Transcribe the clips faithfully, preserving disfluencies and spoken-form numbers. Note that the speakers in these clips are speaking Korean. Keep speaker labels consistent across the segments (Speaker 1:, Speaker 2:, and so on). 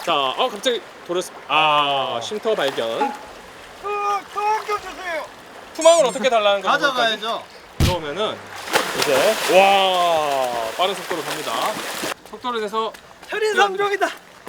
Speaker 1: 자, 어 갑자기 돌았습니다. 아, 쉼터 발견.
Speaker 2: 어, 더 주세요.
Speaker 1: 투망을 어떻게 달라는 거야?
Speaker 3: 가져가야죠.
Speaker 1: 그러면은 이제 와 빠른 속도로 갑니다. 속도를 내서
Speaker 2: 현인삼종이다.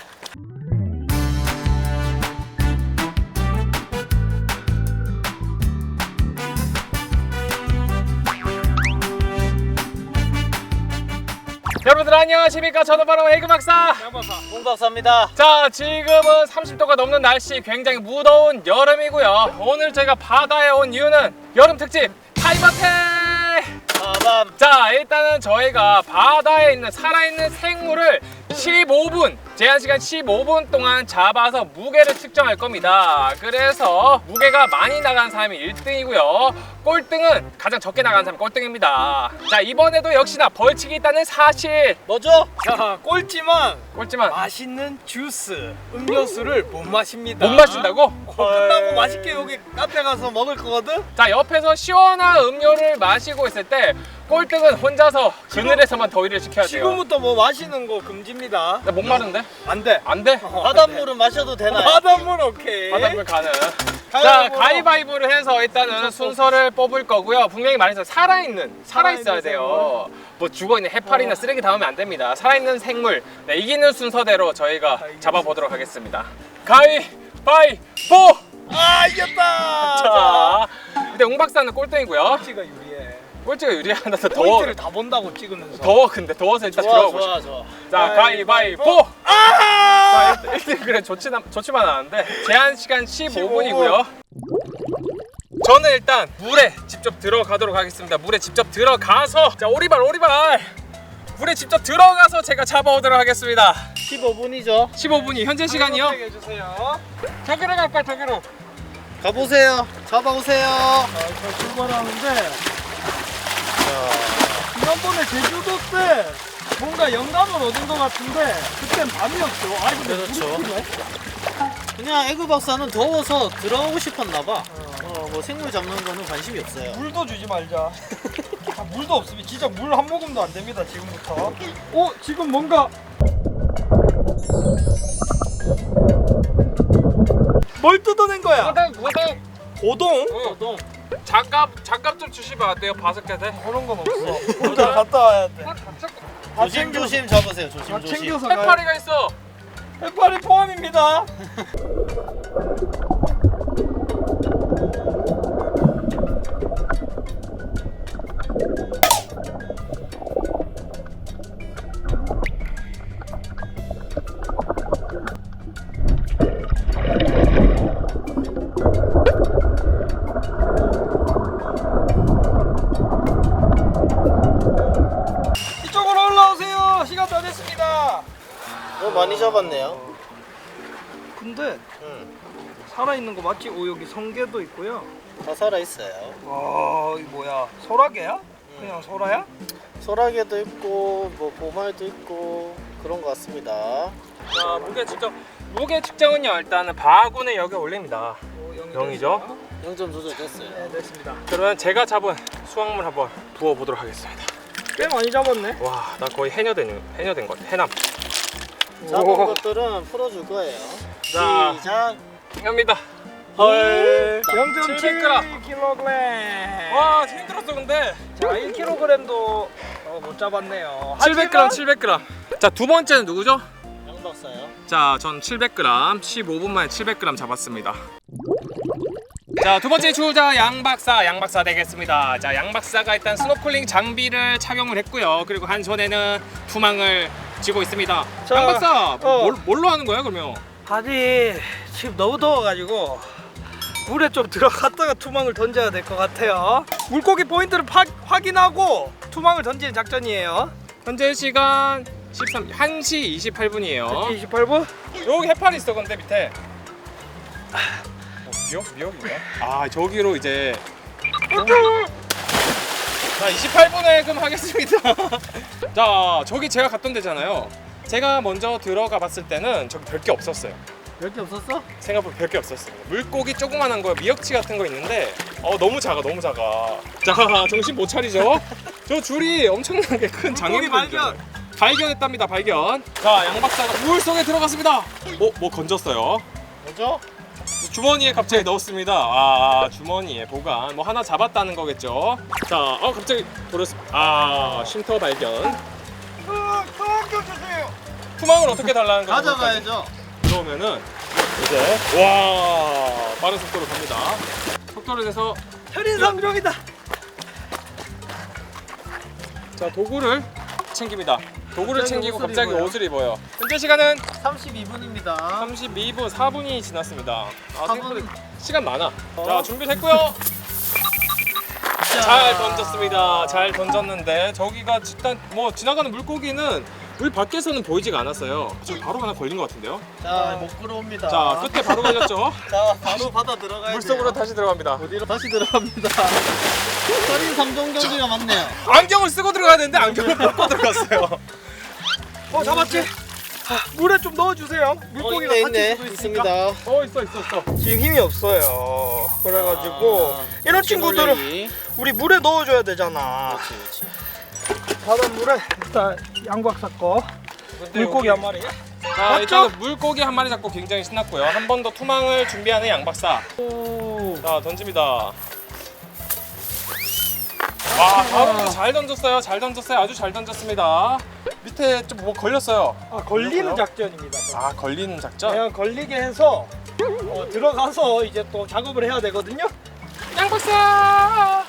Speaker 1: 여러분들 안녕하십니까? 저는 바로 에그 박사.
Speaker 3: 홍 박사입니다.
Speaker 1: 자, 지금은 삼십 도가 넘는 날씨, 굉장히 무더운 여름이고요. 오늘 저희가 바다에 온 이유는 여름 특집 타이머택.
Speaker 3: 빠밤.
Speaker 1: 자, 일단은 저희가 바다에 있는 살아있는 생물을 십오 분, 제한 시간 십오 분 동안 잡아서 무게를 측정할 겁니다. 그래서 무게가 많이 나간 사람이 일 등이고요. 꼴등은 가장 적게 나간 사람이 꼴등입니다. 자, 이번에도 역시나 벌칙이 있다는 사실.
Speaker 3: 뭐죠?
Speaker 2: 자, 꼴찌만
Speaker 1: 꼴찌만
Speaker 2: 맛있는 주스, 음료수를 못 마십니다.
Speaker 1: 못 마신다고?
Speaker 2: 어, 끝나고 맛있게 여기 카페 가서 먹을 거거든.
Speaker 1: 자, 옆에서 시원한 음료를 마시고 있을 때 꼴등은 혼자서 그늘에서만 더위를 식혀야 돼요.
Speaker 2: 지금부터 뭐 마시는 거 금지입니다.
Speaker 1: 나 목 마른데?
Speaker 2: 안 돼.
Speaker 1: 안 돼?
Speaker 2: 어,
Speaker 3: 바닷물은 마셔도 되나요?
Speaker 2: 바닷물 오케이.
Speaker 1: 바닷물 가능. 자,
Speaker 2: 가위바위보로.
Speaker 1: 가위바위보를 해서 일단은 순서를 뽑을 거고요. 분명히 말해서 살아있는, 살아있어야 돼요. 뭐 죽어있는 해파리나 쓰레기 닿으면 안 됩니다. 살아있는 생물. 네, 이기는 순서대로 저희가 잡아보도록 하겠습니다. 가위바위보!
Speaker 2: 아, 이겼다.
Speaker 1: 자, 근데 웅 박사는 꼴등이고요.
Speaker 2: 꼴찌가 유리해.
Speaker 1: 꼴찌가 유리하다. 더 더워.
Speaker 2: 포인트를 다 본다고 찍으면서.
Speaker 1: 더워. 근데 더워서 일단
Speaker 3: 좋아
Speaker 1: 들어가고
Speaker 3: 좋아
Speaker 1: 싶어.
Speaker 3: 좋아.
Speaker 1: 자, 가위바위보!
Speaker 2: 아!
Speaker 1: 자, 일 등 그래 좋지만 좋지만 않은데 제한 시간 십오 분이고요. 저는 일단 물에 직접 들어가도록 하겠습니다. 물에 직접 들어가서 자 오리발 오리발 물에 직접 들어가서 제가 잡아오도록 하겠습니다.
Speaker 3: 십오 분이죠.
Speaker 1: 십오 분이 현재 시간이요.
Speaker 2: 해주세요.
Speaker 1: 저기로 갈까 저기로.
Speaker 3: 가보세요. 잡아오세요.
Speaker 2: 자, 저 출발하는데 지난번에 제주도 때 뭔가 영감을 얻은 것 같은데 그땐 밤이었죠. 아이 근데
Speaker 3: 그렇죠.
Speaker 2: 물이 필요해?
Speaker 3: 그냥 에그 박사는 더워서 들어가고 싶었나봐. 어, 뭐 생물 잡는 거는 관심이 없어요.
Speaker 2: 물도 주지 말자. 아, 물도 없으면 진짜 물 한 모금도 안 됩니다 지금부터. 어 지금 뭔가 뭘 뜯어낸 거야?
Speaker 1: 고동 고동.
Speaker 2: 고동?
Speaker 1: 고동. 장갑 장갑 좀 주시면 안 돼요? 바스켓에.
Speaker 2: 그런 건 없어. 혼자 갔다 와야 돼. 다
Speaker 3: 조심
Speaker 2: 챙겨서-
Speaker 3: 조심 잡으세요. 조심
Speaker 2: 다
Speaker 3: 조심.
Speaker 2: 챙겨서 가야
Speaker 1: 해파리가 있어.
Speaker 2: 해파리 포함입니다. 이쪽으로 올라오세요. 시간 다 됐습니다.
Speaker 3: 어 많이 잡았네요.
Speaker 2: 근데
Speaker 3: 응.
Speaker 2: 살아있는 거 맞지? 오 여기 성게도 있고요.
Speaker 3: 다 살아 있어요.
Speaker 2: 와 이 뭐야? 소라게야? 그냥 소라야?
Speaker 3: 소라게도 있고 뭐 보말도 있고 그런 것 같습니다.
Speaker 1: 자, 무게 측정. 무게 측정은요 일단은 바구니 여기 올립니다.
Speaker 2: 오,
Speaker 1: 영이죠?
Speaker 3: 영 점 조절됐어요.
Speaker 2: 네 됐습니다.
Speaker 1: 그러면 제가 잡은 수확물 한번 부어 보도록 하겠습니다.
Speaker 2: 꽤 많이 잡았네.
Speaker 1: 와, 나 거의 해녀된 해녀된 것 같아. 해남.
Speaker 3: 잡은
Speaker 1: 오.
Speaker 3: 것들은 풀어줄 거예요.
Speaker 1: 자.
Speaker 3: 시작.
Speaker 1: 합니다.
Speaker 2: 헐.
Speaker 1: 칠백 그램.
Speaker 2: 영 점 칠 킬로그램.
Speaker 1: 와, 힘들었어 근데.
Speaker 2: 자 일 킬로그램도 어, 못 잡았네요.
Speaker 1: 칠백 그램, 칠백 그램. 자, 두 번째는 누구죠?
Speaker 3: 양 박사요.
Speaker 1: 자, 전 칠백 그램, 십오 분 만에 칠백 그램 잡았습니다. 자, 두 번째 주자 양 박사, 양 박사 되겠습니다. 자, 양 박사가 일단 스노클링 장비를 착용을 했고요. 그리고 한 손에는 투망을 쥐고 있습니다.
Speaker 2: 자,
Speaker 1: 양 박사,
Speaker 2: 어.
Speaker 1: 뭘, 뭘로 하는 거야 그러면?
Speaker 2: 아니 지금 너무 더워가지고 물에 좀 들어갔다가 투망을 던져야 될 것 같아요. 물고기 포인트를 파, 확인하고 투망을 던지는 작전이에요.
Speaker 1: 현재 시간 십삼, 한 시 이십팔 분이에요.
Speaker 2: 이십팔 분?
Speaker 1: 여기 해파리 있어 근데 밑에. 어, 미역? 미역인가? 아, 저기로 이제. 자, 이십팔 분에 그럼 하겠습니다. 자, 저기 제가 갔던 데잖아요. 제가 먼저 들어가 봤을 때는 저기 별 게 없었어요.
Speaker 3: 별 게 없었어?
Speaker 1: 생각보다 별 게 없었어요. 물고기 조그만한 거, 미역치 같은 거 있는데 어 너무 작아, 너무 작아. 자, 정신 못 차리죠? 저 줄이 엄청나게 큰
Speaker 2: 물고기 발견.
Speaker 1: 장애물이죠. 발견했답니다. 발견. 자, 양 박사가 물 속에 들어갔습니다. 어, 뭐 건졌어요.
Speaker 3: 뭐죠?
Speaker 1: 주머니에 갑자기 넣었습니다. 아, 주머니에 보관. 뭐 하나 잡았다는 거겠죠. 자, 어 갑자기 버렸습니다. 아, 쉼터 발견.
Speaker 2: 투망 좀 주세요.
Speaker 1: 투망을 어떻게 달라는 거죠?
Speaker 3: 가져가야죠.
Speaker 1: 들어오면은 이제 와 빠른 속도로 갑니다. 속도를 내서
Speaker 2: 현인상종이다.
Speaker 1: 자 도구를 챙깁니다. 도구를
Speaker 3: 갑자기
Speaker 1: 챙기고
Speaker 3: 옷을
Speaker 1: 갑자기
Speaker 3: 입어요.
Speaker 1: 옷을 입어요. 현재 시간은
Speaker 3: 삼십이 분입니다.
Speaker 1: 삼십이 분 사 분이 지났습니다. 아,
Speaker 3: 사
Speaker 1: 생각보다
Speaker 3: 분.
Speaker 1: 시간 많아.
Speaker 3: 어.
Speaker 1: 자 준비됐고요. 잘 던졌습니다. 잘 던졌는데 저기가 일단 뭐 지나가는 물고기는 물 밖에서는 보이지가 않았어요. 지금 바로 하나 걸린 것 같은데요.
Speaker 3: 자, 못 끌어옵니다.
Speaker 1: 자 끝에 바로 걸렸죠.
Speaker 3: 자, 바로 바다 들어가야
Speaker 1: 물속으로
Speaker 3: 돼요.
Speaker 1: 다시 들어갑니다.
Speaker 3: 어디로 다시 들어갑니다. 서린 삼종 경기가 맞네요.
Speaker 1: 안경을 쓰고 들어가야 되는데 안경을 벗고 들어갔어요.
Speaker 2: 어 잡았지? 아, 물에 좀 넣어주세요. 물고기가
Speaker 3: 어,
Speaker 2: 다칠
Speaker 3: 있네,
Speaker 2: 수도
Speaker 3: 있습니다.
Speaker 2: 있으니까.
Speaker 1: 어 있어 있어 있어.
Speaker 2: 지금 힘이 없어요. 그래가지고
Speaker 3: 아,
Speaker 2: 이런 친구들은
Speaker 3: 올리기.
Speaker 2: 우리 물에 넣어줘야 되잖아.
Speaker 3: 그렇지, 그렇지.
Speaker 2: 바닷물에 일단 양박사 거
Speaker 1: 근데
Speaker 2: 물고기
Speaker 1: 여기-
Speaker 2: 한 마리.
Speaker 1: 자
Speaker 2: 맞죠?
Speaker 1: 일단은 물고기 한 마리 잡고 굉장히 신났고요. 한 번 더 투망을 준비하는 양박사.
Speaker 2: 오.
Speaker 1: 자 던집니다. 와 바로 잘 던졌어요. 잘 던졌어요. 아주 잘 던졌습니다. 밑에 좀 뭐 걸렸어요.
Speaker 2: 아, 걸리는
Speaker 1: 걸렸어요?
Speaker 2: 작전입니다.
Speaker 1: 아 걸리는 작전?
Speaker 2: 그냥 걸리게 해서 어, 들어가서 이제 또 작업을 해야 되거든요.
Speaker 1: 양박사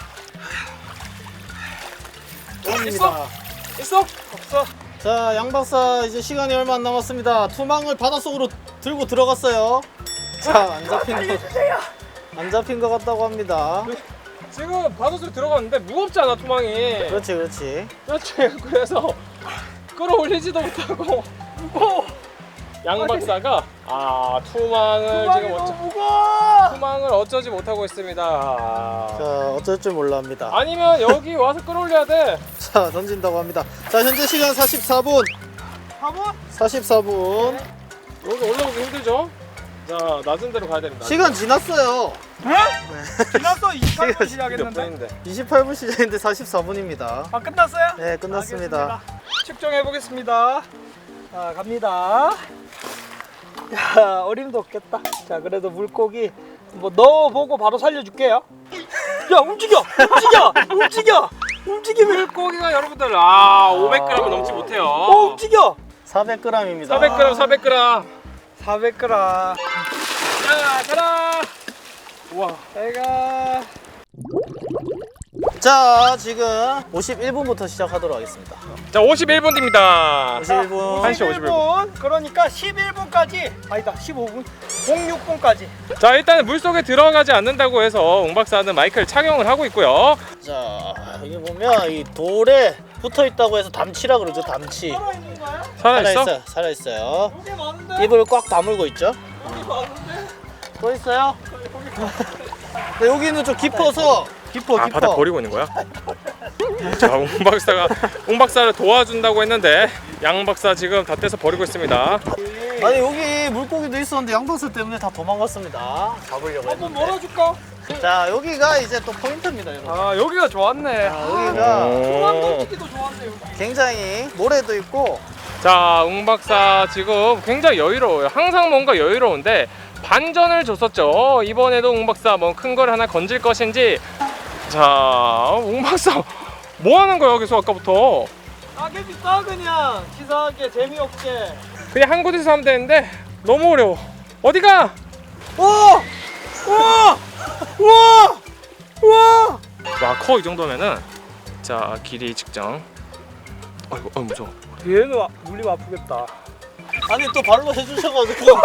Speaker 2: 있어?
Speaker 1: 있어?
Speaker 2: 없어.
Speaker 3: 자, 양 박사 이제 시간이 얼마 안 남았습니다. 투망을 바닷속으로 들고 들어갔어요. 자, 안 잡힌 거, 안 잡힌 것 같다고 합니다.
Speaker 1: 지금 바닷속에 들어갔는데 무겁잖아 투망이.
Speaker 3: 그렇지, 그렇지.
Speaker 1: 그렇지. 그래서 끌어올리지도 못하고 무거워. 양 박사가 아 투망을
Speaker 2: 투망이
Speaker 1: 지금
Speaker 2: 너무
Speaker 1: 어쩌,
Speaker 2: 무거워.
Speaker 1: 투망을 어쩌지 못하고 있습니다.
Speaker 3: 자, 어쩔 줄 몰라 합니다.
Speaker 1: 아니면 여기 와서 끌어올려야 돼.
Speaker 3: 자, 던진다고 합니다. 자, 현재 시간 사십사 분.
Speaker 2: 한번
Speaker 3: 사십사 분.
Speaker 1: 여기 올라오기 힘들죠? 자 낮은 데로 가야 됩니다.
Speaker 3: 시간 지났어요.
Speaker 2: 지났어. 이십팔 분
Speaker 1: 몇
Speaker 2: 시작했는데.
Speaker 1: 분인데?
Speaker 3: 이십팔 분 시작인데 사십사 분입니다.
Speaker 2: 아 끝났어요?
Speaker 3: 네, 끝났습니다.
Speaker 2: 알겠습니다. 측정해 보겠습니다. 자 갑니다. 야 어림도 없겠다. 자 그래도 물고기 뭐 넣어보고 바로 살려줄게요. 야 움직여, 움직여, 움직여, 움직이면
Speaker 1: 물고기가 여러분들 아 오백 그램을 넘지 못해요.
Speaker 2: 어 움직여.
Speaker 3: 사백 그램입니다.
Speaker 1: 사백 그램 사백 그램.
Speaker 2: 사백 그램.
Speaker 1: 자 가라. 우와.
Speaker 2: 내가
Speaker 3: 자, 지금 오십일 분부터 시작하도록 하겠습니다.
Speaker 1: 자 오십일 분 뒤입니다.
Speaker 3: 오십일 분.
Speaker 1: 한 시 오십일 분.
Speaker 2: 그러니까 십일 분까지 아니다 십오 분 공육 분까지
Speaker 1: 자 일단 물 속에 들어가지 않는다고 해서 웅 박사는 마이크를 착용을 하고 있고요.
Speaker 3: 자, 여기 보면 이 돌에 붙어 있다고 해서 담치라 그러죠. 담치.
Speaker 2: 살아있는 거야?
Speaker 1: 살아 있어?
Speaker 3: 살아있어요. 살아있어요.
Speaker 2: 여기 많은데?
Speaker 3: 입을 꽉 다물고 있죠.
Speaker 2: 여기 많은데?
Speaker 3: 또 있어요? 근데 여기는 좀 깊어서 깊어
Speaker 1: 아
Speaker 3: 깊어.
Speaker 1: 바닥 버리고 있는 거야? 자, 웅 박사가 웅 박사를 도와준다고 했는데 양 박사 지금 다 떼서 버리고 있습니다.
Speaker 3: 아니 여기 물고기도 있었는데 양박사 때문에 다 도망갔습니다. 잡으려고
Speaker 2: 한번
Speaker 3: 했는데.
Speaker 2: 몰아줄까?
Speaker 3: 자, 여기가 이제 또 포인트입니다, 여러분.
Speaker 2: 아 여기가 좋았네.
Speaker 3: 자, 여기가
Speaker 2: 중앙
Speaker 1: 오.
Speaker 2: 던지기도 좋았네 여기.
Speaker 3: 굉장히 모래도 있고.
Speaker 1: 자, 웅 박사 지금 굉장히 여유로워요. 항상 뭔가 여유로운데 반전을 줬었죠. 이번에도 웅 박사 뭐 큰 걸 하나 건질 것인지. 자, 웅 박사 뭐 하는 거야 여기서 아까부터?
Speaker 2: 따개비 따 그냥 치사하게 재미없게.
Speaker 1: 그냥 한 곳에서 하면 되는데 너무 어려워. 어디가?
Speaker 2: 우와! 우와! 우와! 우와!
Speaker 1: 와, 커 이 정도면은 자 길이 측정. 아이고, 아 무서워.
Speaker 2: 얘는 아- 물리면 아프겠다.
Speaker 3: 아니 또 발로 해주셔가지고.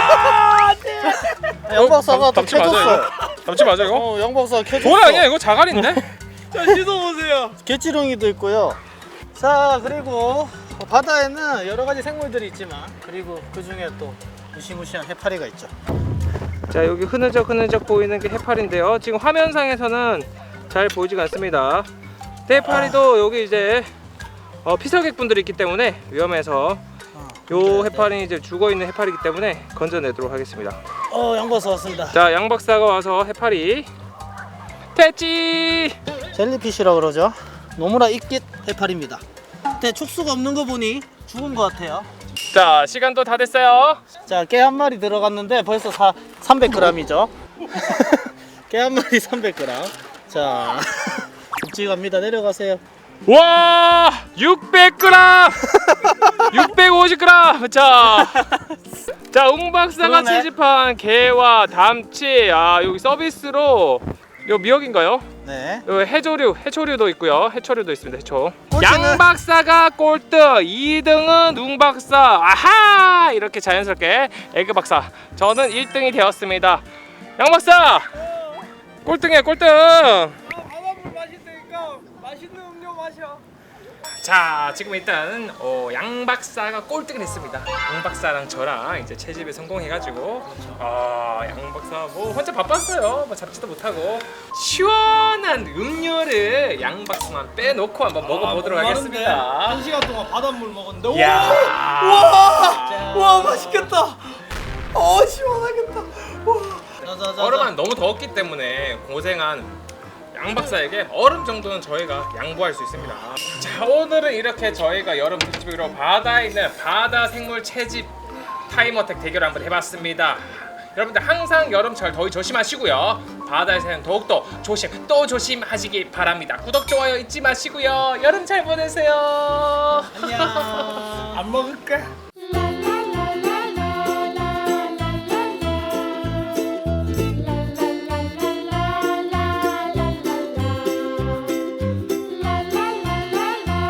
Speaker 3: 양박사가 또
Speaker 1: 담치 맞아
Speaker 3: 캐줬어요.
Speaker 1: 이거? 담치 맞아 이거?
Speaker 3: 어, 양박사가 캐줬어.
Speaker 1: 돌 아니야 이거 자갈인데?
Speaker 2: 자 씻어보세요.
Speaker 3: 개치렁이도 있고요. 자, 그리고 바다에는 여러 가지 생물들이 있지만 그리고 그 중에 또 무시무시한 해파리가 있죠.
Speaker 1: 자 여기 흐느적 흐느적 보이는 게 해파리인데요. 지금 화면상에서는 잘 보이지가 않습니다. 해파리도 여기 이제 어, 피서객분들이 있기 때문에 위험해서 요 해파리는 이제 죽어있는 해파리이기 때문에 건져내도록 하겠습니다.
Speaker 3: 어, 양박사 왔습니다.
Speaker 1: 자 양 박사가 와서 해파리 됐지.
Speaker 3: 젤리피쉬라 그러죠. 노무라 이끼 해파리입니다. 밑에 촉수가 없는 거 보니 죽은 것 같아요.
Speaker 1: 자, 시간도 다 됐어요.
Speaker 3: 자, 깨 한 마리 들어갔는데 벌써 사, 삼백 그램이죠. 깨 한 마리 삼백 그램. 자, 묵직합니다. 내려가세요.
Speaker 1: 와, 육백 그램, 육백오십 그램. 자, 자, 웅 박사가
Speaker 3: 그러네.
Speaker 1: 채집한 게와 담치. 아, 여기 서비스로 요 미역인가요?
Speaker 3: 네.
Speaker 1: 요 해조류, 해초류도 있고요. 해초류도 있습니다. 해초.
Speaker 3: 꼴등은-
Speaker 1: 양 박사가 꼴등, 이 등은 웅 박사. 아하! 이렇게 자연스럽게 에그 박사. 저는 일 등이 되었습니다. 양 박사, 꼴등이야, 꼴등.
Speaker 2: 바닷물 마신다니까 맛있는 음료 마셔.
Speaker 1: 자, 지금 일단 어, 양 박사가 꼴등을 했습니다. 양 박사랑 저랑 이제 채집에 성공해가지고 아, 양 박사 뭐 혼자 바빴어요. 뭐 잡지도 못하고 시원한 음료를 양 박사만 빼놓고 한번 먹어보도록 하겠습니다.
Speaker 2: 한 시간 동안 바닷물 먹었는데.
Speaker 1: 이야.
Speaker 2: 와, 와 맛있겠다. 어 시원하겠다. 와.
Speaker 3: 자자자.
Speaker 1: 얼음은 너무 더웠기 때문에 고생한 양 박사에게 얼음 정도는 저희가 양보할 수 있습니다. 자, 오늘은 이렇게 저희가 여름 특집으로 바다에 있는 바다 생물 채집 타임어택 대결을 한번 해봤습니다. 여러분들 항상 여름철 더위 조심하시고요. 바다에서는 더욱더 조심 또 조심하시기 바랍니다. 구독 좋아요 잊지 마시고요. 여름 잘 보내세요.
Speaker 3: 안녕.
Speaker 2: 안 먹을까?